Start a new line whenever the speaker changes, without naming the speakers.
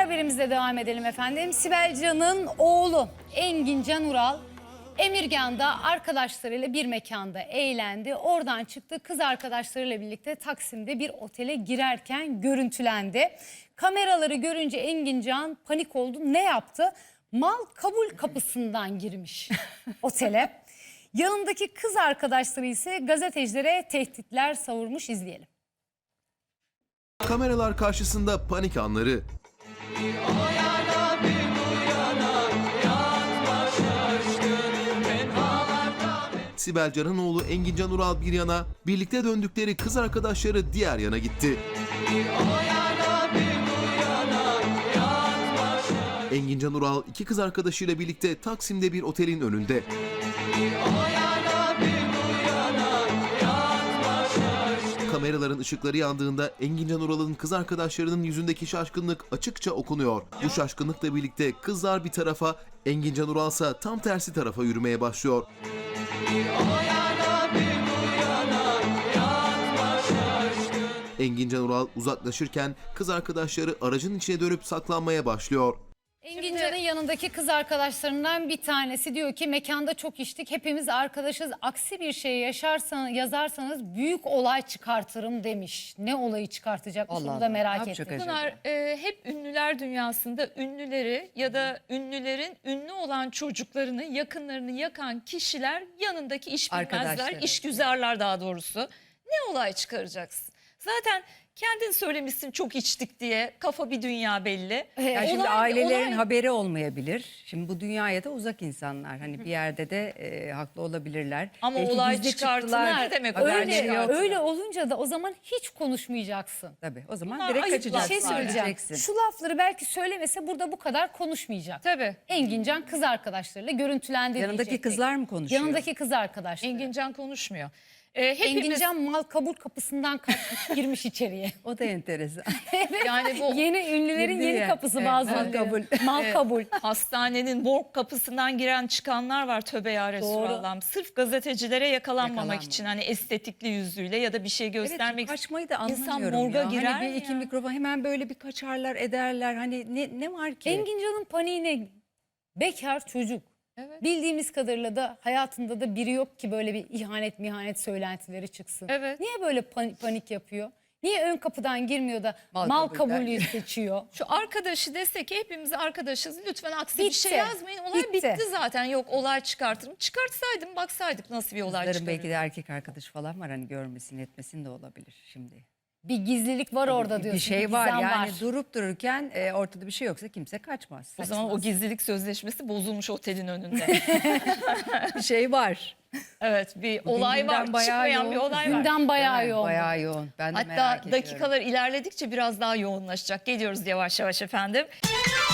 haberimizle devam edelim efendim. Sibel Can'ın oğlu Engin Can Ural, Emirgan'da arkadaşlarıyla bir mekanda eğlendi. Oradan çıktı, kız arkadaşlarıyla birlikte Taksim'de bir otele girerken görüntülendi. Kameraları görünce Engin Can panik oldu. Ne yaptı? Mal kabul kapısından girmiş otele. Yanındaki kız arkadaşları ise gazetecilere tehditler savurmuş. İzleyelim.
Kameralar karşısında panik anları. Sibel Can'ın oğlu Engin Can Ural bir yana, birlikte döndükleri kız arkadaşları diğer yana gitti. Engin Can Ural iki kız arkadaşıyla birlikte Taksim'de bir otelin önünde. Kameraların ışıkları yandığında Engin Can Ural'ın kız arkadaşlarının yüzündeki şaşkınlık açıkça okunuyor. Bu şaşkınlıkla birlikte kızlar bir tarafa, Engin Can Ural ise tam tersi tarafa yürümeye başlıyor. Engin Can Ural uzaklaşırken kız arkadaşları aracın içine dönüp saklanmaya başlıyor.
Engin Can'ın yanındaki kız arkadaşlarından bir tanesi diyor ki mekanda çok içtik, hepimiz arkadaşız, aksi bir şey yazarsanız büyük olay çıkartırım demiş. Ne olayı çıkartacakmış onu da merak ettim.
Bunlar hep ünlüler dünyasında ünlüleri ya da ünlülerin ünlü olan çocuklarını, yakınlarını yakan kişiler yanındaki işbilmezler, işgüzarlar daha doğrusu. Ne olay çıkaracaksın? Zaten kendin söylemişsin çok içtik diye, kafa bir dünya belli.
Yani şimdi ailelerin haberi olmayabilir. Şimdi bu dünyaya da uzak insanlar. Hani bir yerde de haklı olabilirler.
Ama
belki
olay
gizli
çıkartılar ne demek?
Öyle olunca da o zaman hiç konuşmayacaksın.
Tabii o zaman
Bunlar
direkt
ayıp
kaçacaksın.
Bir şey söyleyeceğim.
Gideceksin.
Şu lafları belki söylemese burada bu kadar konuşmayacak.
Tabii.
Engin Can kız arkadaşlarıyla görüntülendi
Yanındaki
diyecektik.
kızlar mı konuşuyor?
Yanındaki kız arkadaşları.
Engin Can konuşmuyor.
Engin Can mal kabul kapısından kaçmış, girmiş içeriye.
O da enteresan.
Yani bu
Yeni ünlülerin
Girdi
yeni
ya.
kapısı
Evet,
bazıları.
mal kabul.
Mal kabul.
hastanenin morg kapısından giren çıkanlar var, tövbe ya Resulallah. Sırf gazetecilere yakalanmamak için, hani estetikli yüzüyle ya da bir şey göstermek için.
Kaçmayı da
İnsan
anlamıyorum
morga
ya.
girer
Hani bir iki
ya.
mikrofon hemen böyle bir kaçarlar ederler. Hani ne var ki?
Engin Can'ın paniğine bekar çocuk.
Evet.
Bildiğimiz kadarıyla da hayatında da biri yok ki böyle bir ihanet söylentileri çıksın.
Evet.
Niye böyle panik yapıyor? Niye ön kapıdan girmiyor da
Mal
mal
kabulden
kabulü seçiyor?
Şu arkadaşı desek ki hepimiz arkadaşız, lütfen aksi bir
Bitti.
şey yazmayın. Olay
Bitti.
bitti zaten. Yok, olay çıkartırım. Çıkartsaydım, baksaydık nasıl bir olay
Kızların
çıkarır.
belki de erkek arkadaş falan var. Hani görmesin etmesin de olabilir şimdi.
Bir gizlilik var orada diyorsun.
Bir şey var
gizem
yani durup dururken ortada bir şey yoksa kimse kaçmaz.
O zaman o gizlilik sözleşmesi bozulmuş otelin önünde.
Bir şey var.
Evet, bir olay var.
gündem bayağı
Çıkmayan bir
yoğun.
olay var.
Gündem bayağı yoğun.
Bayağı yoğun. Ben de merak
Hatta
ediyorum.
dakikalar ilerledikçe biraz daha yoğunlaşacak. Geliyoruz yavaş yavaş efendim.